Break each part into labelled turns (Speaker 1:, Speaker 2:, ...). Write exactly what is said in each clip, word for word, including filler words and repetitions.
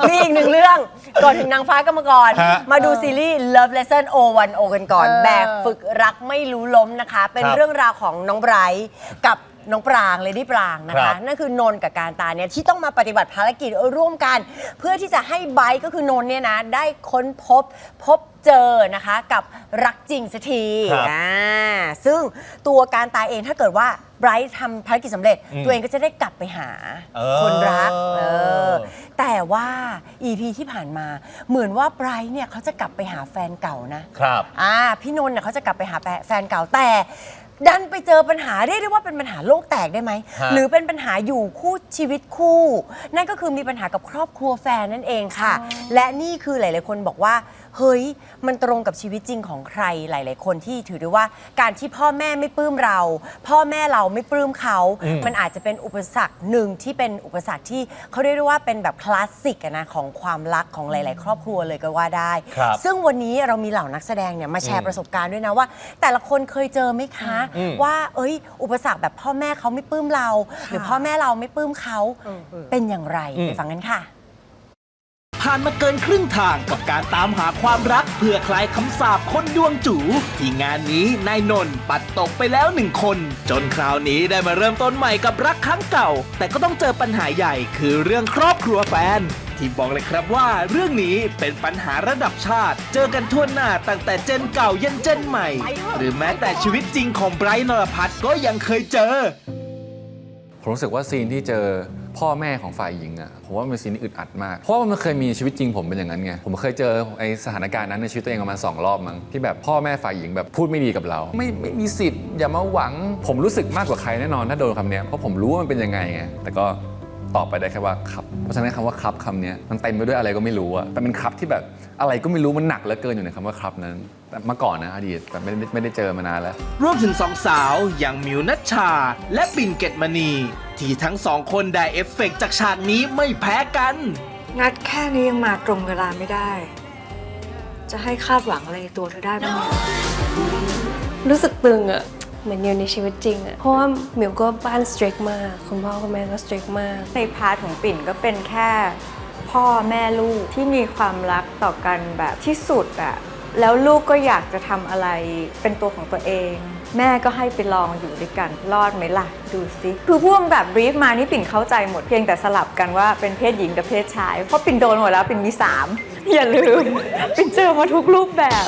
Speaker 1: มีอีกหนึ่งเรื่องก่อนถึงนางฟ้ากรรมกรมาดูซีรีส์ Love Lesson โอ วัน โอ กันก่อนแบบฝึกรักไม่รู้ล้มนะคะเป็นเรื่องราวของน้องไบรท์กับน้องปรางเลดี้ปรางนะคะนั่นคือนนท์กับการตาเนี่ยที่ต้องมาปฏิบัติภารกิจร่วมกันเพื่อที่จะให้ไบรท์ก็คือนนท์เนี่ยนะได้ค้นพบพบเจอนะคะกับรักจริงสักทีอ่าซึ่งตัวการตาเองถ้าเกิดว่าไบรท์ทำภารกิจสำเร็จตัวเองก็จะได้กลับไปหาคนรักเออแต่ว่า อี พี ที่ผ่านมาเหมือนว่าไบรท์เนี่ยเขาจะกลับไปหาแฟนเก่านะครับอ่าพี่นนท์เนี่ยเขาจะกลับไปหาแฟนเก่าแต่ดันไปเจอปัญหาเรียกได้ว่าเป็นปัญหาโลกแตกได้ไหมหรือเป็นปัญหาอยู่คู่ชีวิตคู่นั่นก็คือมีปัญหากับครอบครัวแฟนนั่นเองค่ะและนี่คือหลายๆคนบอกว่าเฮ้ยมันตรงกับชีวิตจริงของใครหลายๆคนที่ถือได้ว่าการที่พ่อแม่ไม่ปลื้มเราพ่อแม่เราไม่ปลื้มเขามันอาจจะเป็นอุปสรรคหนึ่งที่เป็นอุปสรรคที่เขาเรียกได้ว่าเป็นแบบคลาสสิกนะของความรักของหลายๆครอบครัวเลยก็ว่าได้ซึ่งวันนี้เรามีเหล่านักแสดงเนี่ยมาแชร์ประสบการณ์ด้วยนะว่าแต่ละคนเคยเจอไหมคะว่าเอ้ยอุปสรรคแบบพ่อแม่เขาไม่ปลื้มเราหรือพ่อแม่เราไม่ปลื้มเขาเป็นอย่างไรไปฟังกันค่ะ
Speaker 2: ผ่านมาเกินครึ่งทางกับการตามหาความรักเพื่อคลายคำสาปคนดวงจู๋ที่งานนี้นายนนท์ปัดตกไปแล้วหนึ่งคนจนคราวนี้ได้มาเริ่มต้นใหม่กับรักครั้งเก่าแต่ก็ต้องเจอปัญหาใหญ่คือเรื่องครอบครัวแฟนที่บอกเลยครับว่าเรื่องนี้เป็นปัญหาระดับชาติเจอกันทั่วหน้าตั้งแต่เจนเก่ายันเจนใหม่หรือแม้แต่ชีวิตจริงของไบรท์นรพัฒน์ก็ยังเคยเจอ
Speaker 3: ผมรู้สึกว่าซีนที่เจอพ่อแม่ของฝ่ายหญิงอะผมว่ามันเป็นซีนที่อึดอัดมากเพราะว่ามันเคยมีชีวิตจริงผมเป็นอย่างนั้นไงผมเคยเจอไอ้สถานการณ์นั้นในชีวิตตัวเองประมาณสองรอบมั้งที่แบบพ่อแม่ฝ่ายหญิงแบบพูดไม่ดีกับเราไม่ไม่มีสิทธิ์อย่ามาหวังผมรู้สึกมากกว่าใครแน่นอนถ้าโดนคำนี้เพราะผมรู้ว่ามันเป็นยังไงไงแต่ก็ตอบไปได้แค่ว่าครับเพราะฉะนั้นคำว่าครับคำนี้มันเต็มไปด้วยอะไรก็ไม่รู้อะแต่เป็นครับที่แบบอะไรก็ไม่รู้มันหนักเหลือเกินอยู่ในคำว่าครับนั้นแต่เมื่อก่อนนะอดีตแต่ไม่ไม่ได้เจอมานานแล้ว
Speaker 2: รวมถึงสองสาวอย่างมิวนัชชาและปิ่นเกตมณีที่ทั้งสองคนได้เอฟเฟกต์จากฉากนี้ไม่แพ้กัน
Speaker 4: งัดแค่นี้ยังมาตรงเวลาไม่ได้จะให้คาดหวังอะไรในตัวเธอได้บ้าง
Speaker 5: รู้สึกตึงอะเหมือนอยู่ในชีวิตจริงอะเพราะว่ามิวก็บ้านสตริกมากคุณพ่อคุณแม่ก็สตริกมาก
Speaker 4: ในพาร์ทของปิ่นก็เป็นแค่พ่อแม่ลูกที่มีความรักต่อกันแบบที่สุดอะแล้วลูกก็อยากจะทำอะไรเป็นตัวของตัวเองแม่ก็ให้ไปลองอยู่ด้วยกันรอดไหมล่ะดูสิคือพวกแบบบรีฟมานี่ปิ่นเข้าใจหมดเพียงแต่สลับกันว่าเป็นเพศหญิงกับเพศชายเพราะปิ่นโดนหมดแล้วปิ่นมีสามอย่าลืมปิ่นเจอมาทุกรูปแบบ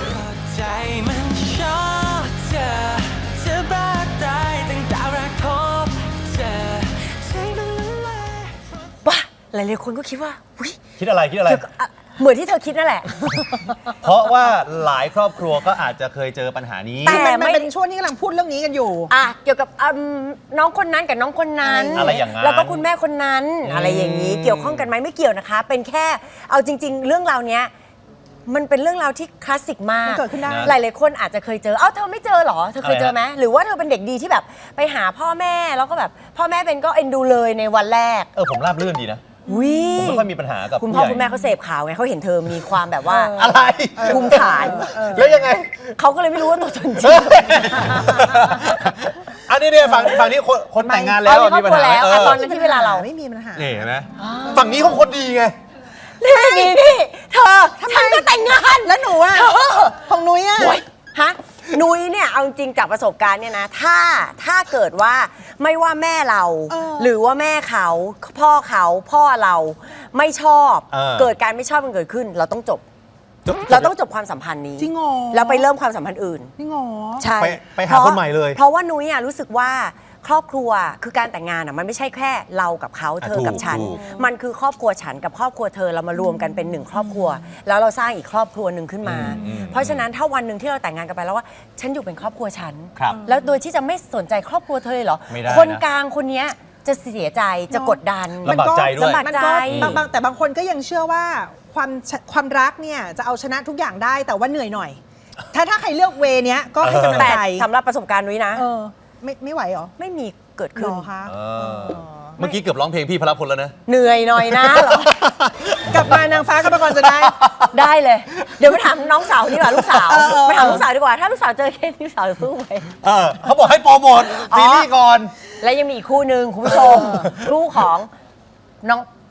Speaker 1: ว้าหลายๆคนก็คิดว่า
Speaker 6: คิดอะไรคิดอะไร
Speaker 1: เหมือนที่เธอคิดนั่นแหละ
Speaker 6: เพราะว่าหลายครอบครัวก็อาจจะเคยเจอปัญหานี้
Speaker 7: แต่มันเป็นช่วงที่กำลังพูดเรื่องนี้กันอยู่
Speaker 1: อ่ะเกี่ยวกับน้องคนนั้นกับน้องคนนั้น
Speaker 6: อะไรอย่างนั้น
Speaker 1: แล้วก็คุณแม่คนนั้นอะไรอย่างนี้เกี่ยวข้องกันไหมไม่เกี่ยวนะคะเป็นแค่เอาจริงๆเรื่องราวเนี้ยมันเป็นเรื่องราวที่คลาสสิกมาก
Speaker 7: เกิดขึ้นได้
Speaker 1: หลายๆคนอาจจะเคยเจอเอ้าเธอไม่เจอหรอเธอเคยเจอไหมหรือว่าเธอเป็นเด็กดีที่แบบไปหาพ่อแม่แล้วก็แบบพ่อแม่เป็นก็เอ็นดูเลยในวันแรก
Speaker 6: เออผมราบรื่นดีนะผมไม่ค่อยมีปัญหากับ
Speaker 1: คุณพ่อคุณแม่เขาเสพข่าวไงเขาเห็นเธอมีความแบบว่า
Speaker 6: อะไร
Speaker 1: ภูมิฐาน
Speaker 6: แล้วยังไง
Speaker 1: เขาก็เลยไม่รู้ว่าตัวตนจริง
Speaker 6: อันนี้เนี่ยฝั่งฝั่งนี้คนคนแต่งงานแล้ว
Speaker 1: มีปัญหาแล้วตอนนั้นที่เวลาเรา
Speaker 7: ไม่มีปัญหา
Speaker 6: นี่เห็นไหมฝั่งนี้เขาคนดีไง
Speaker 1: นี่นี่นี่เธอฉันก็แต่งงาน
Speaker 7: แล้วหนูอ่ะของนุ้ยอ่ะ
Speaker 1: ฮะนุ้ยเนี่ยเอาจริงจากประสบการณ์เนี่ยนะถ้าถ้าเกิดว่าไม่ว่าแม่เราหรือว่าแม่เขาพ่อเขาพ่อเราไม่ชอบเกิดการไม่ชอบมันเกิดขึ้นเราต้องจบเราต้องจบความสัมพันธ์นี้
Speaker 7: จริงเหรอ
Speaker 1: แล้วไปเริ่มความสัมพันธ์อื่น
Speaker 7: จริงเหรอ
Speaker 1: ใช่
Speaker 6: ไปหาคนใหม่เลย
Speaker 1: เพราะว่านุ้ยรู้สึกว่าครอบครัวคือการแต่งงานอ่ะมันไม่ใช่แค่เรากับเขาเธอกับฉันมันคือครอบครัวฉันกับครอบครัวเธอเรามารวมกันเป็นหนึ่งครอบครัวแล้วเราสร้างอีกครอบครัวหนึ่งขึ้นมาเพราะฉะนั้นถ้าวันหนึ่งที่เราแต่งงานกันไปแล้วว่าฉันอยู่เป็นครอบครัวฉันแล้วโดยที่จะไม่สนใจครอบครัวเธอเลยเหรอคนกลางคนนี้จะเสียใจจะกดดัน
Speaker 6: ลำบากใจด้วย
Speaker 1: ลำบากใจ
Speaker 7: แต่บางคนก็ยังเชื่อว่าความความรักเนี่ยจะเอาชนะทุกอย่างได้แต่ว่าเหนื่อยหน่อยถ้าถ้าใครเลือกเวเนี้ยก็ให้กำลังใจ
Speaker 1: สำหรับประสบการณ์นุ้ยนะ
Speaker 7: ไม่ไม่ไหวหรอ
Speaker 1: ไม่มีเกิดขึ้น
Speaker 7: คะ
Speaker 6: เมื่อกี้เกือบร้องเพลงพี่พลพลแล้วนะ
Speaker 1: เหนื่อยหน่อยนะหร
Speaker 7: อกลับมานางฟ้ากรรมกรจะได้
Speaker 1: ได้เลยเดี๋ยวไปถามน้องสาวดีกว่าลูกสาวไปถามลูกสาวดีกว่าถ้าลูกสาวเจอเคสลูกสาวจะสู้ไหม
Speaker 6: เออเขาบอกให้โปรโมทซีรีส์ก่อน
Speaker 1: และยังมีอีกคู่หนึ่งคุณผู้ชมคู่ของน้อง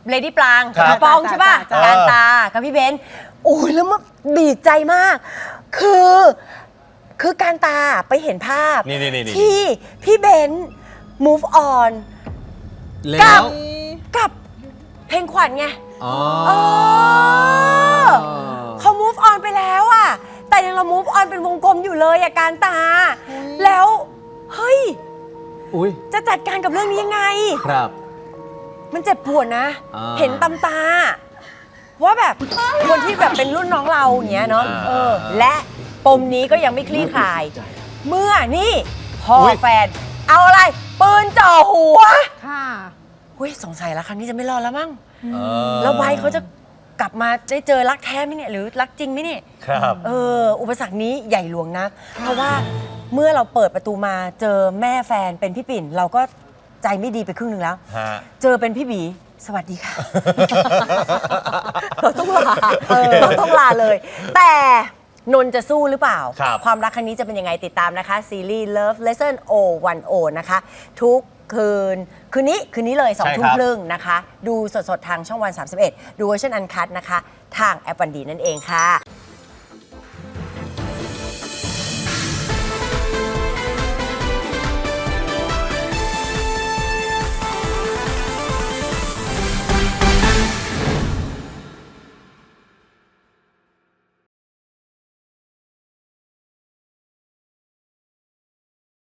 Speaker 1: เลดี้ปราง
Speaker 6: ครั
Speaker 1: กับบ พี่ป้องใช่ป่ะ
Speaker 7: จ้ะ
Speaker 1: การตากับพี่เบนซ์โอ้ยแล้วมันดีใจมาก คือคือการตาไปเห็นภาพ
Speaker 6: นี่นี่นี่นี่
Speaker 1: ที่พี่เบนซ์ move on
Speaker 6: แล้
Speaker 1: กั
Speaker 6: ว
Speaker 1: บกับเพลงขวัญไง
Speaker 6: อ๋อ
Speaker 1: เออเขา move on ไปแล้วอะแต่ยังเรา move on เป็นวงกลมอยู่เลยอะการตา แล้วเฮ้ย
Speaker 6: อุ้ย
Speaker 1: จะจัดการกับเรื่องนี้ยังไง
Speaker 6: ครับ
Speaker 1: มันเจ็บปวดนะ
Speaker 6: อ่า
Speaker 1: เห็นตำตา ว่าแบบคนที่แบบเป็นรุ่นน้องเราอย่างเงี้ยเนาะ
Speaker 6: อ่า
Speaker 1: เออ และปมนี้ก็ยังไม่คลี่คลาย เมื่อนี่พ่ออย แฟน เอาอะไร ปืนจ่อหัว
Speaker 7: ค่ะ
Speaker 1: เฮ้ยสงสัยแล้วครั้งนี้จะไม่รอดแล้วมั้ง
Speaker 6: เออ
Speaker 1: แล้วไบร์ทเขาจะกลับมาได้เจอรักแท้ไหมเนี่ยหรือรักจริงไหมเนี่ย
Speaker 6: ครับ
Speaker 1: เออ อุปสรรคนี้ใหญ่หลวงนัก เพราะว่าเมื่อเราเปิดประตูมาเจอแม่แฟนเป็นพี่ปิ่น เราก็ใจไม่ดีไปครึ่งหนึ่งแล้ว
Speaker 6: ฮะ
Speaker 1: เจอเป็นพี่บี สวัสดีค่ะ เราต้องลาเราต้องลาเลย แต่นนท์จะสู้หรือเปล่า
Speaker 6: ครับ
Speaker 1: ความรักครั้งนี้จะเป็นยังไงติดตามนะคะ ซีรีส์ Love Lesson โอ วัน โอ นะคะ ทุกคืน คืนนี้ คืนนี้เลยสอง
Speaker 6: ใช่
Speaker 1: ทุ่ม
Speaker 6: ครับ
Speaker 1: ครึ่งนะคะ ดูสดๆ ทางช่องวัน สามสิบเอ็ด ดูเวอร์ชันอันคัทนะคะ ทางแอปวันดีนั่นเองค่ะ